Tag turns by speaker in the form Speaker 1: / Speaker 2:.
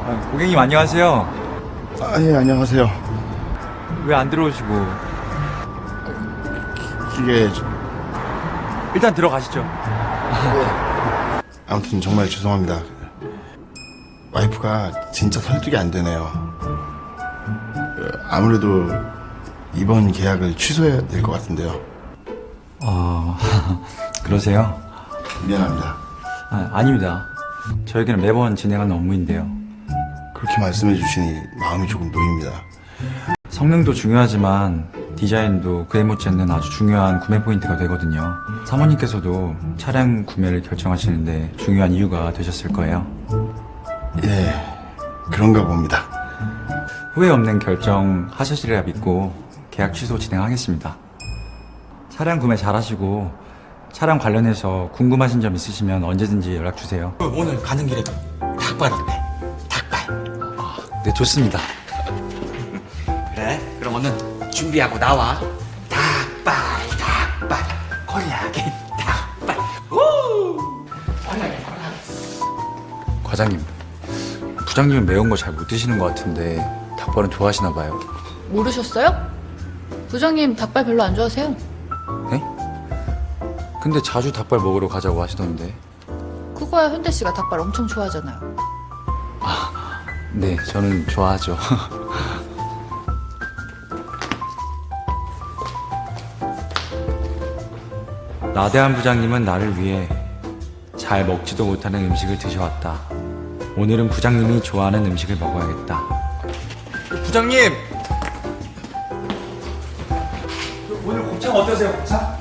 Speaker 1: 고객님 안녕하세요.
Speaker 2: 예, 안녕하세요.
Speaker 1: 왜 안 들어오시고?
Speaker 2: 이게
Speaker 1: 일단 들어가시죠.
Speaker 2: 아무튼 정말 죄송합니다. 와이프가 진짜 설득이 안 되네요. 아무래도 이번 계약을 취소해야 될 것 같은데요.
Speaker 1: 그러세요?
Speaker 2: 미안합니다.
Speaker 1: 아닙니다. 저에게는 매번 진행하는 업무인데요.
Speaker 2: 그렇게 말씀해 주시니 마음이 조금 놓입니다.
Speaker 1: 성능도 중요하지만 디자인도 그에 못지않는 아주 중요한 구매 포인트가 되거든요. 사모님께서도 차량 구매를 결정하시는데 중요한 이유가 되셨을 거예요.
Speaker 2: 예, 그런가 봅니다.
Speaker 1: 후회 없는 결정 하셨으리라 믿고 계약 취소 진행하겠습니다. 차량 구매 잘 하시고 차량 관련해서 궁금하신 점 있으시면 언제든지 연락 주세요.
Speaker 3: 오늘 가는 길에 닭발 어때? 닭발.
Speaker 1: 네, 좋습니다.
Speaker 3: 그래? 그럼 오늘 준비하고 나와. 닭발. 콜라겐 닭발. 우! 콜라겐.
Speaker 1: 과장님, 부장님은 매운 거 잘 못 드시는 것 같은데 닭발은 좋아하시나 봐요.
Speaker 4: 모르셨어요? 부장님 닭발 별로 안 좋아하세요?
Speaker 1: 네? 근데 자주 닭발 먹으러 가자고 하시던데.
Speaker 4: 그거야 현대 씨가 닭발 엄청 좋아하잖아요.
Speaker 1: 네, 저는 좋아하죠. 나대한 부장님은 나를 위해 잘 먹지도 못하는 음식을 드셔왔다. 오늘은 부장님이 좋아하는 음식을 먹어야겠다.
Speaker 3: 부장님.
Speaker 1: 오늘 곱창 어떠세요, 곱창?